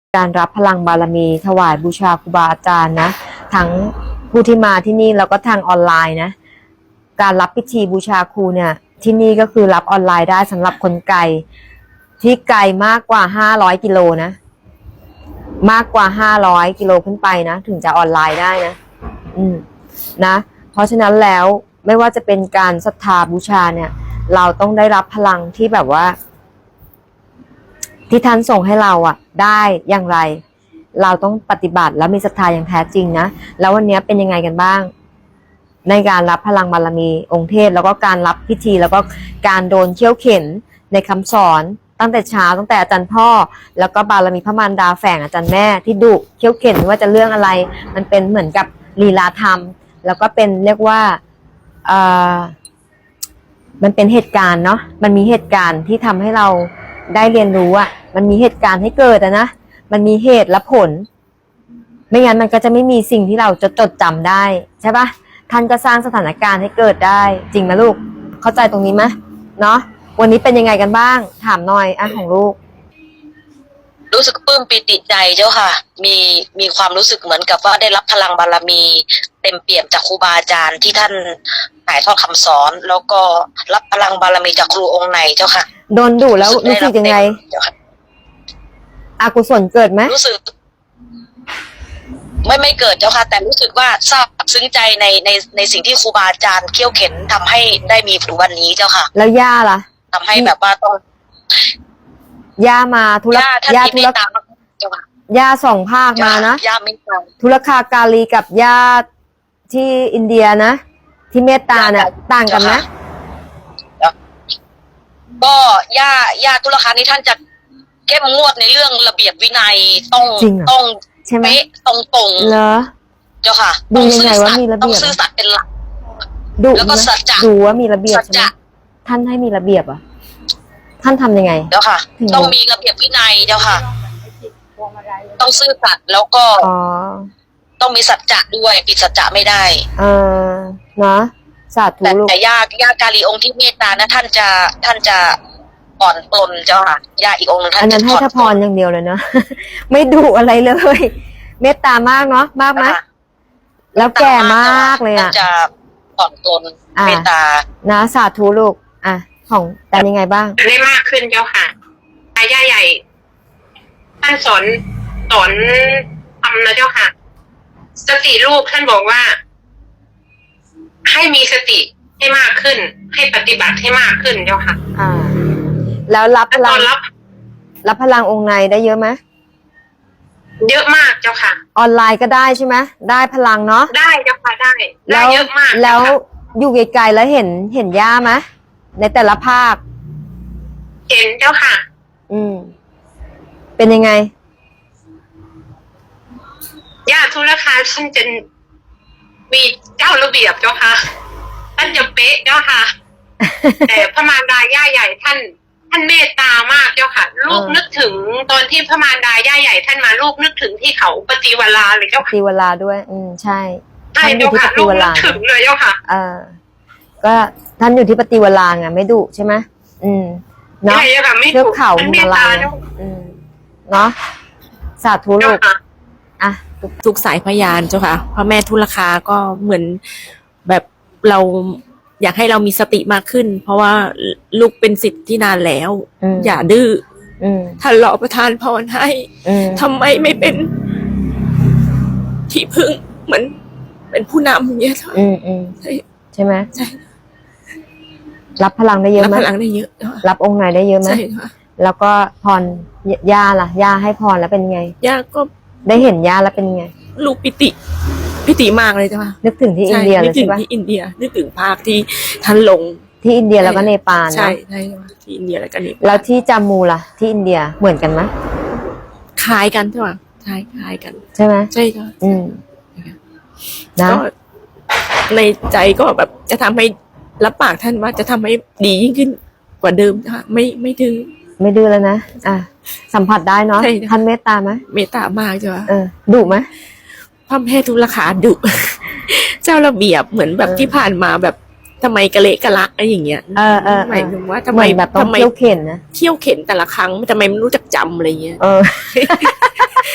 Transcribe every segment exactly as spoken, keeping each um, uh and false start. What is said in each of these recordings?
การรับพลังบารมีถวายบูชาครูบาอาจารย์นะทั้งผู้ที่มาที่นี่แล้วก็ทางออนไลน์นะการรับพิธีบูชาครูเนี่ยที่นี่ก็คือรับออนไลน์ได้สำหรับคนไกลที่ไกลมากกว่าห้าร้อยกิโลนะมากกว่าห้าร้อยกิโลขึ้นไปนะถึงจะออนไลน์ได้นะอืมนะเพราะฉะนั้นแล้วไม่ว่าจะเป็นการศรัทธาบูชาเนี่ยเราต้องได้รับพลังที่แบบว่าที่ท่านส่งให้เราอ่ะได้อย่างไรเราต้องปฏิบัติแล้วมีศรัทธาอย่างแท้จริงนะแล้ววันนี้เป็นยังไงกันบ้างในการรับพลังบารมีองค์เทพแล้วก็การรับพิธีแล้วก็การโดนเขี่ยวเข็นในคำสอนตั้งแต่เช้าตั้งแต่อาจารย์พ่อแล้วก็บารมีพระมารดาแฝงอาจารย์แม่ที่ดุเขี่ยวเข็นว่าจะเรื่องอะไรมันเป็นเหมือนกับลีลาธรรมแล้วก็เป็นเรียกว่าเอ่อมันเป็นเหตุการณ์เนาะมันมีเหตุการณ์ที่ทำให้เราได้เรียนรู้อ่ะมันมีเหตุการณ์ให้เกิดอะนะมันมีเหตุและผลไม่งั้นมันก็จะไม่มีสิ่งที่เราจะจดจำได้ใช่ปะท่านก็สร้างสถานการณ์ให้เกิดได้จริงไหมลูกเข้าใจตรงนี้ไหมเนาะวันนี้เป็นยังไงกันบ้างถามหน่อยอ่ะของลูกรู้สึกปลื้มปิติใจเจ้าค่ะมีมีความรู้สึกเหมือนกับว่าได้รับพลังบารมีเต็มเปี่ยมจากครูบาอาจารย์ที่ท่านถ่ายทอดคำสอนแล้วก็รับพลังบารมีจากครูองค์ในเจ้าค่ะโดนดุแล้วรู้สึกยังไงอกุศลเกิดไหมรู้สึกไม่ไม่เกิดเจ้าค่ะแต่รู้สึกว่าซาบซึ้งใจในในในสิ่งที่ครูบาอาจารย์เขี่ยวเข็นทำให้ได้มีถึงวันนี้เจ้าค่ะแล้วย่าล่ะทำให้แบบว่าต้องย่ามาธุระย่าธุระย่าสองภาคมานะย่าไม่ตามธุรคากาลีกับย่าที่อินเดียนะที่เมตตาเนี่ยต่างกันนะก็ย่าย่าธุรคานี้ท่านจะเข้มงวดในเรื่องระเบียบวินัยต้องต้องเป๊ะตรงตรงเหรอเจ้าค่ะดูยังไงว่ามีระเบียบต้องซื่อสัตย์เป็นหลักดูแล้วก็สัจจะดูว่ามีระเบียบใช่ไหมท่านให้มีระเบียบอ่ะท่านทำยังไงเจ้าค่ะต้องมีระเบียบวินัยเจ้าค่ะต้องซื่อสัตย์แล้วก็ต้องมีสัจจะด้วยปิดสัจจะไม่ได้เออนะสาธุลูกแต่ย่าย่ากาลีองค์ที่เมตตานะท่านจะท่านจะอ่อนตนเจ้าค่ะย่าอีกองค์นึงท่านอันนั้นให้ทพรอย่างเดียวเลยเนาะไม่ดุอะไรเลยเมตตามากเนาะมากไหมแล้วแก่มากเลยอ่ะจะอ่อนตนเมตตานะสาธุลูกอ่ะของแต่ยังไงบ้างได้มากขึ้นเจ้าค่ะอาย่าใหญ่ท่านสอนสอนทำนะเจ้าค่ะสติลูกท่านบอกว่าให้มีสติให้มากขึ้นให้ปฏิบัติให้มากขึ้นเจ้าค่ะอ่าแล้วรับพลังรับรับพลังองค์ในได้เยอะไหมเยอะมากเจ้าค่ะออนไลน์ก็ได้ใช่ไหมได้พลังเนาะได้เจ้าค่ะได้ได้เยอะมากแล้วอยู่ไกลๆแล้วเห็นเห็นย่าไหมในแต่ละภาคเห็นเจ้าค่ะอืมเป็นยังไงย่าธุรคาท่านจะมีเจ้าระเบียบเจ้าค่ะท่านจะเป๊ะเจ้าค่ะแต่พระมารดาย่าใหญ่ท่านท่านเมตตามากเจ้าค่ะลูกนึกถึงตอนที่พระมารดาย่าใหญ่ท่านมาลูกนึกถึงที่เขาปฏิวราเลยเจ้าค่ะปฏิวราด้วยอืมใช่ท่านอยู่ที่ปฏิวราถึงเลยเจ้าค่ะเออก็ท่านอยู่ที่ปฏิวราไงไม่ดุใช่ไหมอืมเนาะเทือกเขาหิมาลัยอืมเนาะสาธุลูกอ่ะทุกสายพยานเจ้าค่ะพระแม่ทุลคาก็เหมือนแบบเราอยากให้เรามีสติมากขึ้นเพราะว่าลูกเป็นสิทธิ์ที่นานแล้วอย่าดื้อท่านรอประทานพรให้ทำไมไม่เป็นที่พึ่งเหมือนเป็นผู้นำอย่างเงี้ยอืมอืมใช่ใช่ไหมใช่รับพลังได้เยอะไหมรับพลังได้เยอะรับองค์ไหนได้เยอะไหมใช่ค่ะแล้วก็พรย่าล่ะย่าให้พรแล้วเป็นไงย่าก็ได้เห็นย่าแล้วเป็นไงลูกปิติปิติมากเลยจ้ะนึกถึงที่อินเดียเลยใช่ปะนึกถึงที่อินเดียนึกถึงภาคที่ท่านลงที่อินเดียแล้วก็เนปาลใช่ใช่ที่อินเดียแล้วก็เนปาลแล้วที่จามูล่ะที่อินเดียเหมือนกันไหมคล้ายกันใช่ไหมใช่คล้ายกันใช่ไหมใช่ค่ะอืมนะในใจก็แบบจะทำให้รับปากท่านว่าจะทำให้ดียิ่งขึ้นกว่าเดิมค่ะไม่ไม่ดื้อไม่ดื้อแล้วนะอ่ะสัมผัสได้เนาะท่านเมตตาไหมเมตตามากจ้ะเออดุไหมพระแม่ทุลคาดุเจ้าระเบียบเหมือนแบบที่ผ่านมาแบบทำไมกะเละกะละอะไรอย่างเงี้ยเออเออหมายถึงว่าทำไมแบบต้องเที่ยวเข็นนะเที่ยวเข็นแต่ละครั้งทำไมไม่รู้จักจำอะไรเงี้ยเออ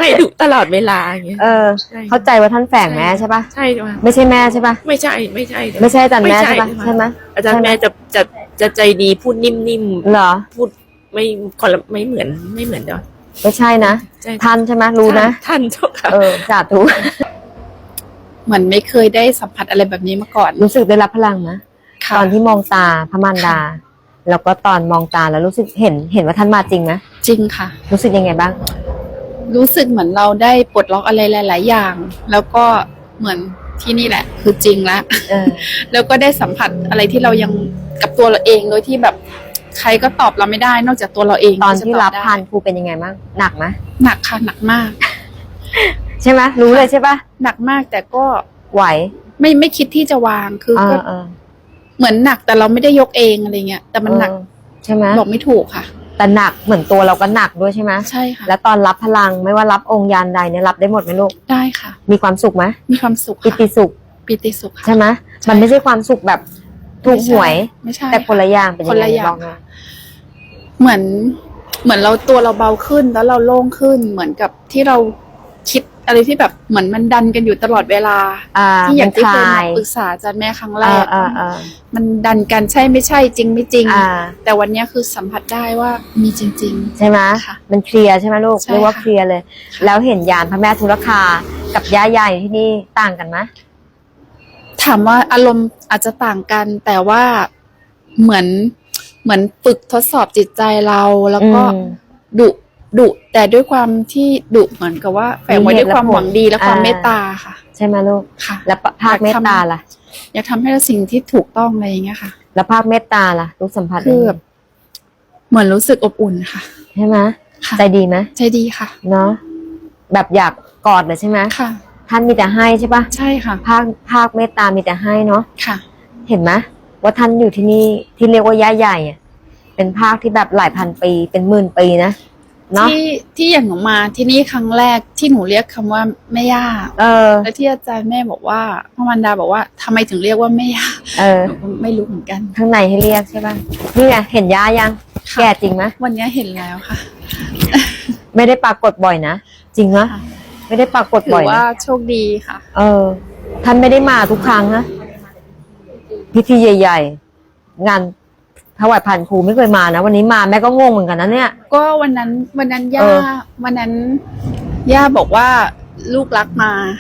ให้ดุตลอดเวลาอย่างเงี้ยเออใช่เข้าใจว่าท่านแฝงแม่ใช่ปะใช่จ้ะไม่ใช่แม่ใช่ปะไม่ใช่ไม่ใช่เลยไม่ใช่อาจารย์แม่ไม่ใช่ปะใช่ไหมอาจารย์แม่จะจะจะใจดีพูดนิ่มเหรอๆพูดไม่คนละไม่เหมือนไม่เหมือนเด้อไม่ใช่นะใช่ท่านใช่ไหมรู้นะท่านเจ้าค่ะเออสาธุเหมือนไม่เคยได้สัมผัสอะไรแบบนี้มาก่อนรู้สึกได้รับพลังนะค่ะตอนที่มองตาพระมารดา แล้วก็ตอนมองตาแล้วรู้สึกเห็นเห็นว่าท่านมาจริงไหมจริงค่ะรู้สึกยังไงบ้างรู้สึกเหมือนเราได้ปลดล็อกอะไรหลาย ๆ อย่าง แล้วก็เหมือนที่นี่แหละ คือจริงแล้วเออแล้วก็ได้สัมผัสอะไรที่เรายังกับตัวเราเองโดยที่แบบใครก็ตอบเราไม่ได้ นอกจากตัวเราเองตอนที่จะรับได้พานครูเป็นยังไงบ้างหนักไหมหนักค่ะหนักมากใช่ไหมรู้เลยใช่ปะหนักมากแต่ก็ไหวไม่ไม่คิดที่จะวางคือเอก็อเออเหมือนหนักแต่เราไม่ได้ยกเองอะไรเงี้ยแต่มันหนักเออใช่ไหมบอกไม่ถูกค่ะแต่หนักเหมือนตัวเราก็หนักด้วยใช่ไหมใช่ค่ะแล้วตอนรับพลังไม่ว่ารับองค์ยานใดเนี่ยรับได้หมดไหมลูกได้ค่ะมีความสุขไหมมีความสุขปิค่ะติสุขปิติสุขค่ะใช่ไหมใช่มันไม่ใช่ความสุขแบบถูกหวยไม่ใช่แต่คนละอย่างเป็นคยันงไงละอย่างบอกหน่อยเหมือนเหมือนเราตัวเราเบาขึ้นแล้วเราโล่งขึ้น เหมือนกับที่เราคิดอะไรที่แบบเหมือนมันดันกันอยู่ตลอดเวลาอ่าที่อย่างที่เคยมันคมาลายปรึกษาอาจารย์แม่ครั้งแรอ่าก อ่าอ่ามันดันกันใช่ไม่ใช่จริงไม่จริงอ่าแต่วันนี้คือสัมผัสได้ว่ามีจริงใช่ไหมค่ะมันเคลียร์ใช่ไหมลูกใช่เรียกว่าค่ะเคลียร์เลย แล้วเห็นยานพระแม่ธุรคากับย่าใหญ่ที่นี่ต่างกันไหมๆ ถามว่าอารมณ์อาจจะต่างกัน แต่ว่าเหมือนเหมือนฝึกทดสอบจิตใจเราแล้วก็อืมดุดุแต่ด้วยความที่ดุเหมือนกับว่าแฝงไว้มีเหด้ตุวยความและผลหวังดีและความอ่าเมตตาค่ะใช่ไหมลูกค่ะแล้วภาคเมตตาล่ะอยากทำให้เราสิ่งที่ถูกต้องอะไรอย่างเงี้ยค่ะแล้วภาคเมตตาล่ะลูกสัมผัสคือยังไงแบบเหมือนรู้สึกอบอุ่นค่ะใช่ไหมค่ะใจดีไหมใจดีค่ะเนาะแบบอยากกอดเลยใช่ไหมค่ะท่านมีแต่ให้ใช่ปะใช่ค่ะภาคภาคเมตตามีแต่ให้เนาะค่ะเห็นไหมว่าท่านอยู่ที่นี่ที่เรียกว่าย่าใหญ่อะเป็นภาคที่แบบหลายพันปีเป็นหมื่นปีนะเนาะที่ที่อย่างหนูมาที่นี่ครั้งแรกที่หนูเรียกคำว่าแม่ย่าเออแล้วที่อาจารย์แม่บอกว่าพระมารดาบอกว่าทำไมถึงเรียกว่าแม่ย่าเออหนูก็ไม่รู้เหมือนกันข้างในให้เรียกใช่ปะนี่ไงเห็นย่ายังค่ะแก่จริงไหมวันนี้เห็นแล้วค่ะไม่ได้ปรากฏบ่อยนะจริงไหมค่ะไม่ได้ปรากฏถืบ่ออย ว่านะโชคดีค่ะเออ ท่านไม่ได้มาทุกครั้งนะพิธีใหญ่ ๆ งานถวายผ่านครูไม่เคยมานะวันนี้มาแม่ก็งงเหมือนกันนะเนี่ยก็วันนั้นวันนั้นย่าเออวันนั้นย่าบอกว่าลูกรักมา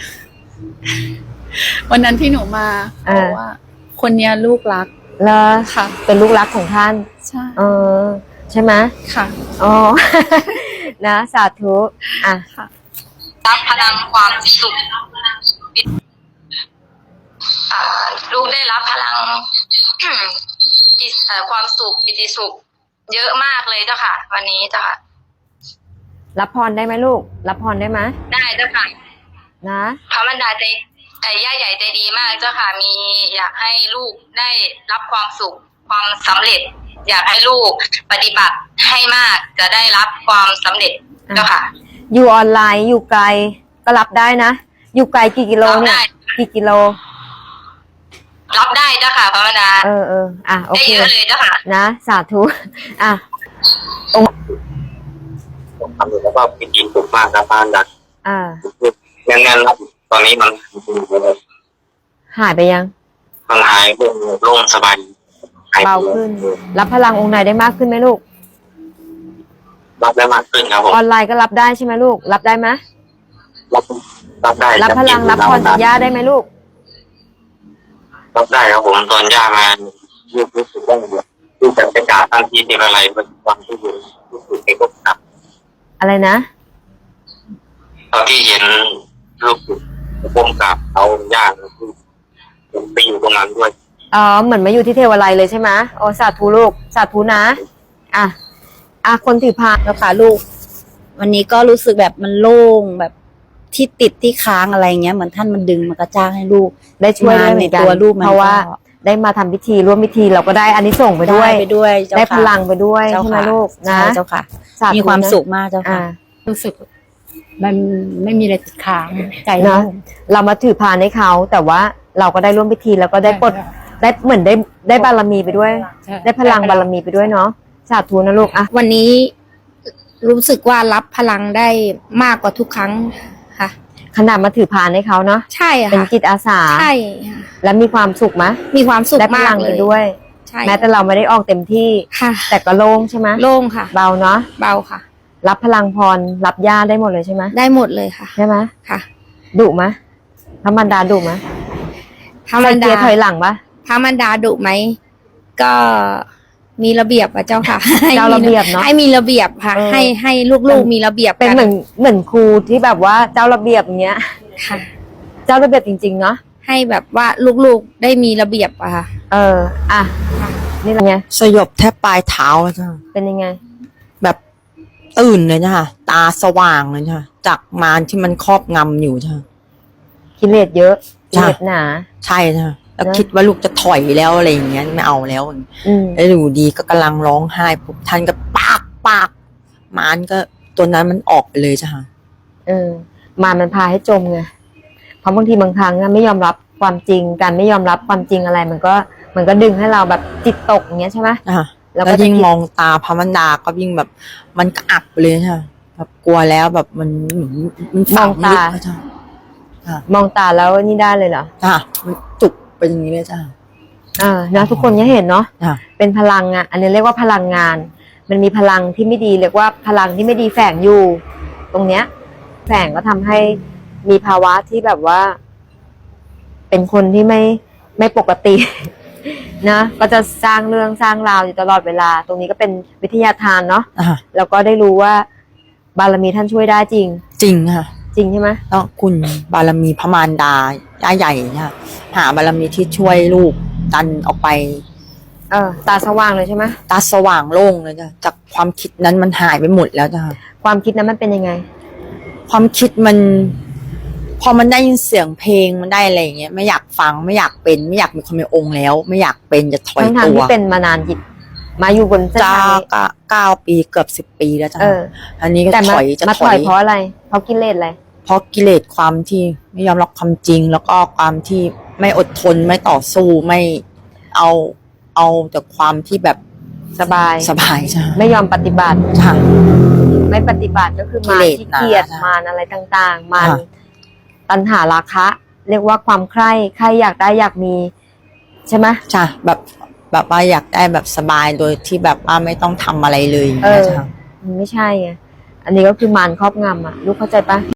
วันนั้นที่หนูมาบอกว่า คนเนี้ยลูกรักแล้วค่ะเป็นลูกรักของท่านใช่เออ ใช่ไหมค่ะอ๋อ นะสาธุอ่ะรับพลังความสุขอ่าลูกได้รับพลัง จิตเอ่อความสุขปิติสุข เยอะมากเลยเจ้าค่ะ วันนี้เจ้าค่ะรับพรได้ไหมลูก รับพรได้ไหมได้เจ้าค่ะนะพระบรรดาใจไอ้ย่าใหญ่ใจดีมากเจ้าค่ะ มีอยากให้ลูกได้รับความสุข ความสำเร็จ อยากให้ลูกปฏิบัติให้มากจะได้รับความสำเร็จเจ้าค่ะอยู่ออนไลน์อยู่ไกลก็รับได้นะ อยู่ไกลกี่กิโลเนี่ยรับได้กี่กิโลรับได้เจ้าค่ะพระบรรดาเออเอออ่ะโอได้เคเยอะเลยเจ้าค่ะนะสาธุอ่ะผมทำอยู่แล้วก็พิธีสุขมากครับบ้านดักอ่าแน่นๆแล้วตอนนี้มันหายไปยังมันหายโล่งสบายหยเบาขึ้น รับพลังองค์ไหนได้มากขึ้นไหมลูกรับได้มากขึ้นครับผมออนไลน์ก็รับได้ใช่ไหมลูก รับได้ไหมรับรับได้รับพลังรับพรจากย่าได้ไหมลูกรับได้ครับผมตอนย่ามาลูกรู้สึกได้เลยลูกจะไปจ่าทันทีที่อะไรเป็นความที่อยู่รู้สึกเองก็กลับอะไรนะตอนที่เห็นลูกก้มกราบเขาย่าคือผมไปอยู่ตรงนั้นด้วยอ๋อเหมือนมาอยู่ที่เทวาลัยเลยใช่ไหมโอ้สาธุลูกสาธุนะ อ่ะอ่ะคนถือพานแล้วค่ะลูก วันนี้ก็รู้สึกแบบมันโล่งแบบที่ติดที่ค้างอะไรเงี้ยเหมือนท่านมันดึงมากระจ้างให้ลูกได้ช่วยด้วยเหมือนกันในตัวลูกมันเพราะว่าก็ได้มาทำพิธีร่วมพิธีเราก็ได้อันนี้ส่งส์ไปด้วยไปด้วยเจ้าได้ค่ะพลังไปด้วยเจ้าใช่ไหมค่ะลูกนะใช่เจ้าค่ะสธุมีความนะสุขมากเจ้าอ่าค่ะรู้สึกมันไม่มีอะไรติดค้างใจเนอะโล่งเรามาถือพานให้เขาแต่ว่าเราก็ได้ร่วมพิธีแล้วก็ได้ปลดใช่ได้เหมือนได้ได้บารมีไปด้วยใช่ได้พลังบารมีไปด้วยเนาะสาธุนะลูกอ่ะวันนี้รู้สึกว่ารับพลังได้มากกว่าทุกครั้งค่ะขนาดมาถือพานให้เขาเนาะใช่ค่ะเป็นจิตอาสาใช่ค่ะแล้วมีความสุขไหมมีความสุขได้พมาลักงเลไปยด้วยใช่แม้แต่เราไม่ได้ออกเต็มที่ค่ะแต่ก็โล่งใช่ไหมโล่งค่ะเบาเนาะเบาค่ะรับพลังพรรับญาติได้หมดเลยใช่ไหมได้หมดเลยค่ะใช่ไหมค่ะดุไหมพระมารดาดุไหมพระมารใส่เกีดายร์ถอยหลังปะพระมารดาดุไหมก็มีระเบียบอะเจ้าค่ะเจ้าระเบียบเนาะให้มีระเบียบค่ะเออให้ให้ลูกๆมีระเบียบเป็นกัเหมือนเหมือนครูที่แบบว่าเจ้าระเบียบอย่างเงี้ยค่ะเจ้าระเบียบจริงๆเนาะให้แบบว่าลูกๆได้มีระเบียบอะค่ะเอออ่ะนี่เป็นไงสยบแทบปลายเท้าแล้วจ้ะเป็นยังไงแบบตื่นเลยจ้ะตาสว่างเลยจ้ะจากมารที่มันครอบงำอยู่จ้ะกิเลสเยอะกิจ้ะเลสหนาใช่จ้ะแล้วนะคิดว่าลูกจะถอยแล้วอะไรอย่างเงี้ยไม่เอาแล้วอืมแล้วอยู่ดีก็กำลังร้องไห้ปุ๊บท่านก็ปากปากมารก็ตัวนั้นมันออกไปเลยจ้ะเออมารมันพาให้จมไงเพราะบางทีบางครั้งอะไม่ยอมรับความจริงการไม่ยอมรับความจริงอะไร มันก็มันก็ดึงให้เราแบบจิตตกอย่างเงี้ยใช่ไหมอ่ะแล้แล้ว วก็จะยิ่งคิดมองตาพระมันดาก็ยิ่งแบบ มันก็อับไปเลยจ้ะแบบกลัวแล้วแบบมันเหมือนมันฝังลึกอะจ้ะมองตาแล้วนี่ได้เลยเหรอจ้ะมันจุกเป็นอย่างนี้เลยจ้ะเออนะทุกคนเนี่ยเห็นเนาะจ้ะเป็นพลังอ่ะ อันนี้เรียกว่าพลังงาน มันมีพลังที่ไม่ดีเรียกว่าพลังที่ไม่ดีแฝงอยู่ ตรงเนี้ย แฝงก็ทำให้มีภาวะที่แบบว่า เป็นคนที่ไม่ไม่ปกติ นะก็จะสร้างเรื่องสร้างราวอยู่ตลอดเวลา ตรงนี้ก็เป็นวิทยาทานเนาะอ่ะแล้วก็ได้รู้ว่า บารมีท่านช่วยได้จริงจริงค่ะจริงใช่ไหมแล้วคุณบารมีพระมารดาย่าใหญ่เนี่ยหาบารมีที่ช่วยลูกดันออกไปเออ ตาสว่างเลยใช่ไหมตาสว่างโล่งเลยจ้ะจากความคิดนั้นมันหายไปหมดแล้วจ้ะความคิดนั้นมันเป็นยังไงความคิดมัน พอมันได้ยินเสียงเพลงมันได้อะไรอย่างเงี้ยไม่อยากฟังไม่อยากเป็นไม่อยากมีความเป็นองค์แล้ว ไม่อยากเป็นจะถอยทั้งทางตัวที่เป็นมานานจิตมาอยู่บนเส้นจ้าทางนี้ก็เก้าปีเกือบสิบปีแล้วจ้ะเอออันนี้ก็แต่ถมาอยจะมาถถออย ยเพราะอะไร เพราะกิเลสอะไรเพราะกิเลสความที่ไม่ยอมรับความจริง แล้วก็ความที่ไม่อดทนไม่ต่อสู้ไม่เอาเอาแต่ความที่แบบสบายสบายจ้ะไม่ยอมปฏิบัติค่ะไม่ปฏิบัติก็คือมารกิเลสที่เกียจหนามารอะไรต่างๆ มารค่ะตัณหาราคะ เรียกว่าความใคร่ใครอยากได้อยากมี ใช่ไหมจ้ะแบบแบบว่าอยากได้แบบสบายโดยที่แบบว่าไม่ต้องทำอะไรเลยอย่างเอเงี้ยอจ้ะมันไม่ใช่ไงอันนี้ก็คือมารครอบงำอ่ะ ลูกเข้าใจปะ